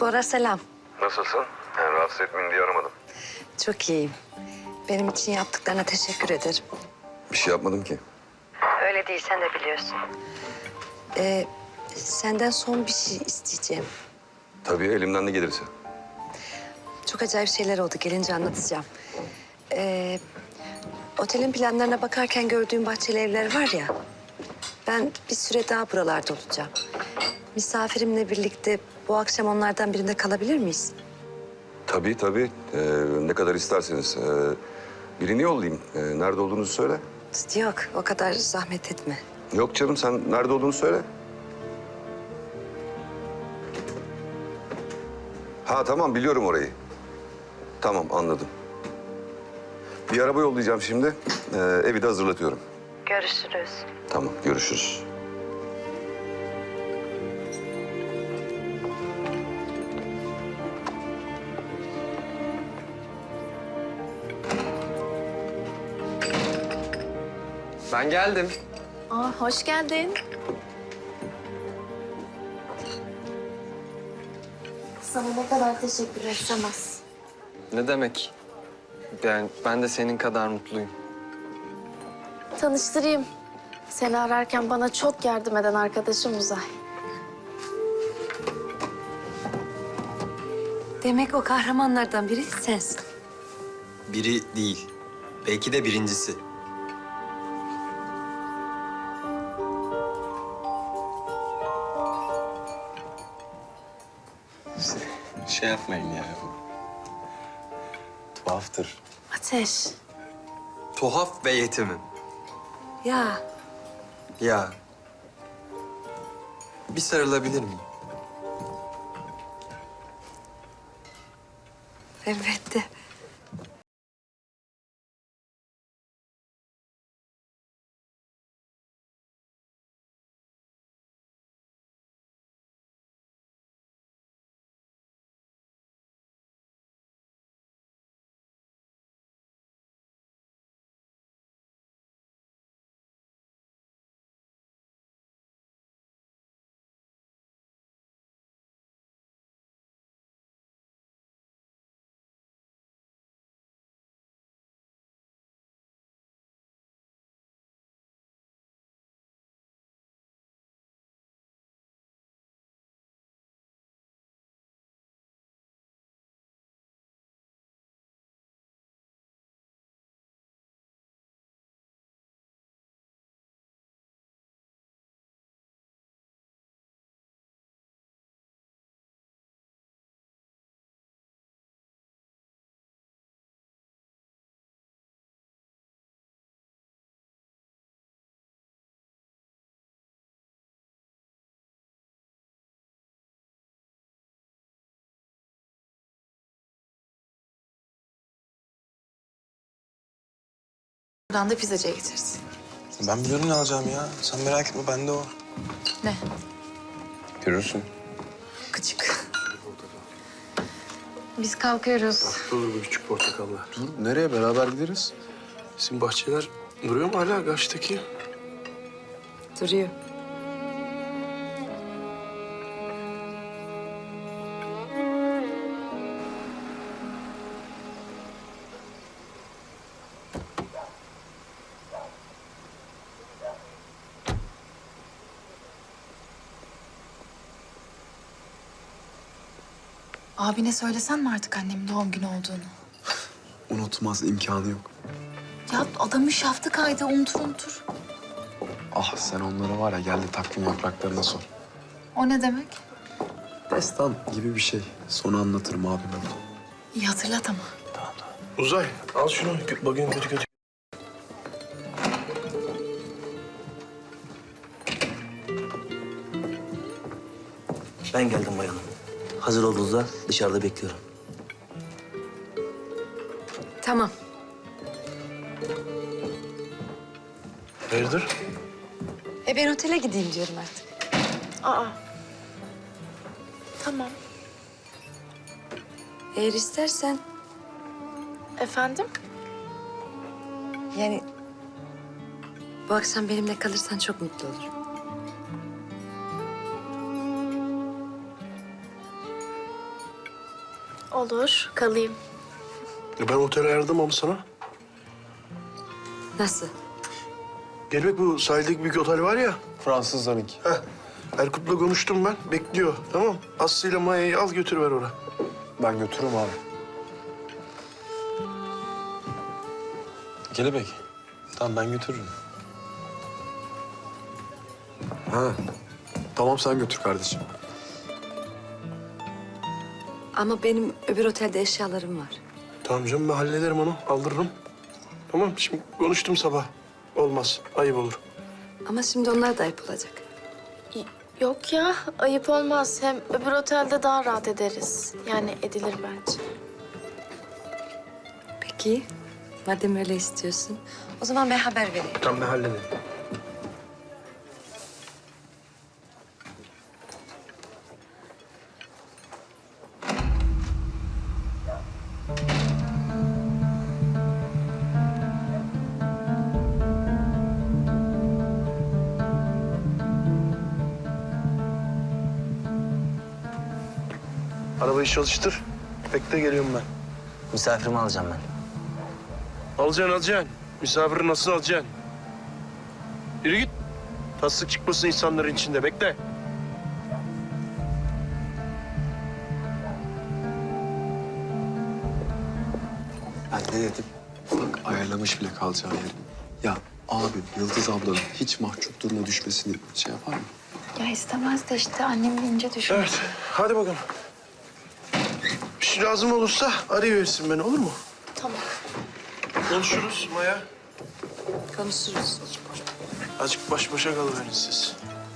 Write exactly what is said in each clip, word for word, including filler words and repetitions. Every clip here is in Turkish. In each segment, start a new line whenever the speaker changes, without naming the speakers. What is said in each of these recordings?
Bora selam.
Nasılsın? Yani rahatsız etmeyeyim diye aramadım.
Çok iyiyim. Benim için yaptıklarına teşekkür ederim.
Bir şey yapmadım ki.
Öyle değil, sen de biliyorsun. Ee, senden son bir şey isteyeceğim.
Tabii elimden ne gelirse.
Çok acayip şeyler oldu, gelince anlatacağım. Ee, otelin planlarına bakarken gördüğüm bahçeli evler var ya... Ben bir süre daha buralarda olacağım. Misafirimle birlikte bu akşam onlardan birinde kalabilir miyiz?
Tabii tabii. Ee, ne kadar isterseniz. Ee, birini yollayayım. Ee, nerede olduğunuzu söyle.
Yok, o kadar zahmet etme.
Yok canım, sen nerede olduğunu söyle. Ha tamam, biliyorum orayı. Tamam, anladım. Bir araba yollayacağım şimdi. Ee, evi de hazırlatıyorum.
Görüşürüz.
Tamam, görüşürüz.
Ben geldim.
Aa, hoş geldin. Sana ne kadar teşekkür etsem az.
Ne demek? Yani ben de senin kadar mutluyum.
Tanıştırayım. Seni ararken bana çok yardım eden arkadaşım Uzay.
Demek o kahramanlardan biri sensin.
Biri değil. Belki de birincisi.
Şey yapmayın ya. Tuhaftır.
Ateş.
Tuhaf ve yetimim.
Ya,
Ya. Bir sarılabilir miyim?
elbette.
Buradan da pizzacıya getiririz.
Ben biliyorum ne alacağım ya. Sen merak etme, bende o.
Ne?
Görürsün.
Küçük. Biz kalkıyoruz.
Olur bu küçük portakallar. Dur, nereye? Beraber gideriz. Bizim bahçeler duruyor mu hala karşıdaki?
Duruyor.
Abine söylesen mi artık annemin doğum günü olduğunu?
Unutmaz, imkanı yok.
Ya adamın şaftı kaydı, unutur unutur.
Ah sen onlara var ya, gel de takvim yapraklarına sor.
O ne demek?
Destan gibi bir şey. Sonra anlatırım abime.
İyi hatırlat ama.
Uzay, al şunu. Gö- Bugün kötü kötü.
Ben geldim bayanım. Hazır olduğunuzda dışarıda bekliyorum.
Tamam.
Hayırdır?
E ben otele gideyim diyorum artık.
Aa. Tamam.
Eğer istersen,
Efendim?
yani bu akşam benimle kalırsan çok mutlu olurum.
Olur, kalayım.
Ya ben otel ayarladım ama sana.
Nasıl?
Gelmek bu sahildeki büyük otel var ya.
Fransızlarınki.
Heh. Erkut'la konuştum ben. Bekliyor. Tamam. Aslı'yla Maya'yı al götürüver oraya.
Ben götürürüm abi. Kelebek. Tamam ben götürürüm. Ha. Tamam sen götür kardeşim.
Ama benim öbür otelde eşyalarım var.
Tamam canım ben hallederim onu. Aldırırım. Tamam şimdi konuştum sabah. Olmaz. Ayıp olur.
Ama şimdi onlar da ayıp olacak.
Y- Yok ya, ayıp olmaz. Hem öbür otelde daha rahat ederiz. Yani edilir bence.
Peki, madem öyle istiyorsun, o zaman ben haber vereyim.
Tamam ben hallederim. Arabayı çalıştır. Bekle geliyorum ben.
Misafirimi alacağım ben.
Alacaksın alacaksın. Misafiri nasıl alacaksın? Yürü git. Taslık çıkmasın insanların içinde. Bekle.
Ben ne dedim? Bak ayarlamış bile kalacağı yeri. Ya abi Yıldız ablanın hiç mahcup duruma düşmesini şey yapar mı?
Ya istemez de işte annem ince düşün.
Evet. Hadi bakalım. Bir şey lazım olursa arayıversin beni olur mu?
Tamam.
Konuşuruz Maya.
Konuşuruz.
Azıcık baş başa kalıverin siz.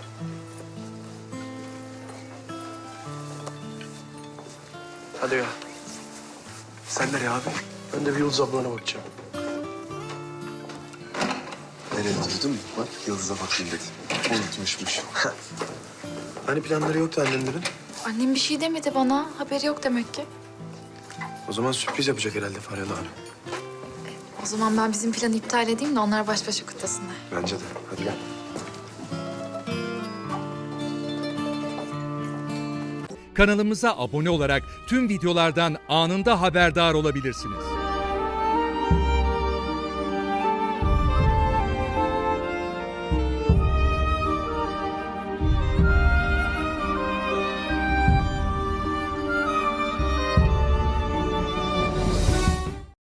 Hadi ya.
Sen nereye abi?
Ben de bir Yıldız ablana bakacağım.
Nereye duydun mu? Bak Yıldız'a bakayım dedi. Unutmuşmuş.
Hani planları yoktu annenlerin?
Annem bir şey demedi bana. Haberi yok demek ki.
O zaman sürpriz yapacak herhalde Faryalı abi.
O zaman ben bizim planı iptal edeyim de onlar baş başa kutlasınlar.
Bence de. Hadi gel.
Kanalımıza abone olarak tüm videolardan anında haberdar olabilirsiniz.